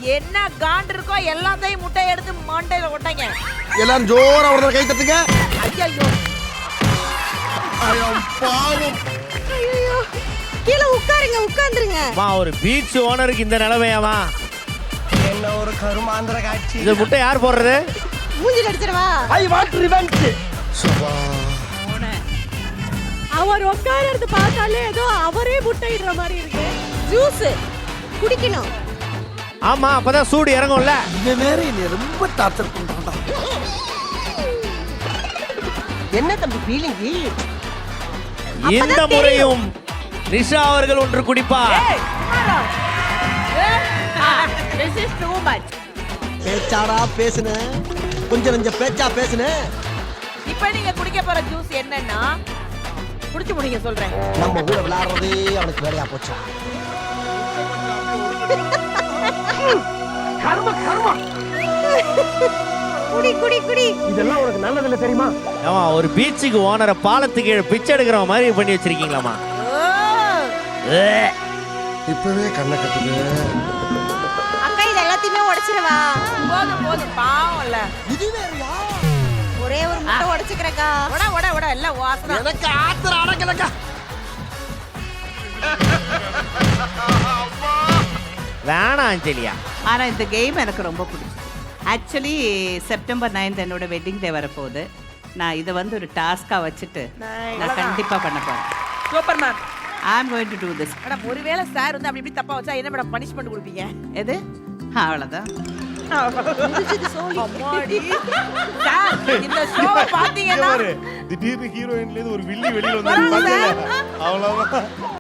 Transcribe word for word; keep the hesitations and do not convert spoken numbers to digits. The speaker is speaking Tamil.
என்ன காண்டு இருக்கோ எல்லாத்தையும் முட்டை எடுத்து மண்டையில ஒட்டாங்க. எல்லாரும் ஜோரா ஒரு கை தட்டுங்க. ஐயோ ஐயோ பாவம். ஐயோ கீழ உட்காருங்க உட்கார்ந்துருங்க. மா ஒரு பீச் ஓனருக்கு இந்த நிலைமையாமா? என்ன ஒரு கருமாந்திர காட்சி. இந்த முட்டை யார் போடுறது? மூஞ்சில அடிச்சிரவா? I want revenge. சபா. அவர் உட்கார்றது பார்த்தாலே ஏதோ அவரே முட்டையிடுற மாதிரி இருக்கு. ஜூஸ் குடிக்கணும். ஆமா அப்பதான் சூடு இறங்கும்ல. இவன் வேற என்ன ரொம்ப டார்ச்சர் பண்றான்டா. என்ன தம்பி ஃபீலிங்? இந்த முறையும் நிஷா அவர்கள் ஒன்று குடிப்பார். this is too much. பேச்சாடா பேசுன, கொஞ்சம் நெஞ்ச பேச்சா பேசுன. இப்போ நீங்க குடிக்க போற ஜூஸ் என்னன்னா குடிச்சு முடிங்க சொல்றேன். நம்ம கூட விளையாடுறதே அவனுக்கு வேலையா போச்சா? கர்ம கர்ம. குடி குடி குடி. இதெல்லாம் உனக்கு நல்லதில்ல தெரியுமா? ஆமா ஒரு பீச்சுக்கு ஓனரை பாலத்துக்கு கீழே பிச்சை எடுக்கிற மாதிரி பண்ணி வச்சிருக்கீங்களாமா? இப்பவே கண்ணை கட்டுது. அக்கா இது எல்லாத்தையுமே உடைச்சிரவா? போதும் போதும் பாவம்ல. இது வேறயா? ஒரே ஒரு முட்டை உடைச்சுக்கறக்கா. ஒட ஒட ஒட எல்லாம் வாசனை. எனக்கு ஆத்திர அடக்கலக்கா. வேணாம் அஞ்சலியா. ஆனா இந்த கேம் எனக்கு ரொம்ப பிடிக்கும். ஆக்சுவலி செப்டம்பர் நைன்த் என்னோட வெட்டிங் டே வரப்போகுது. நான் இதை வந்து ஒரு டாஸ்கா வச்சுட்டு நான் கண்டிப்பா பண்ண போறேன். Super ma'am. I am going to do this. Madam ஒருவேளை சார் வந்து அப்படி இப்படி தப்பா வச்சா என்ன மேடம் பனிஷ்மென்ட் கொடுப்பீங்க? எது? அவ்வளவுதான். அம்மாடி. சார் இந்த ஷோவை பாத்தீங்கன்னா திடீர்னு ஹீரோயின்ல இருந்து ஒரு வில்லி வெளியில வந்து பாத்தீங்க. அவ்வளவுதான்.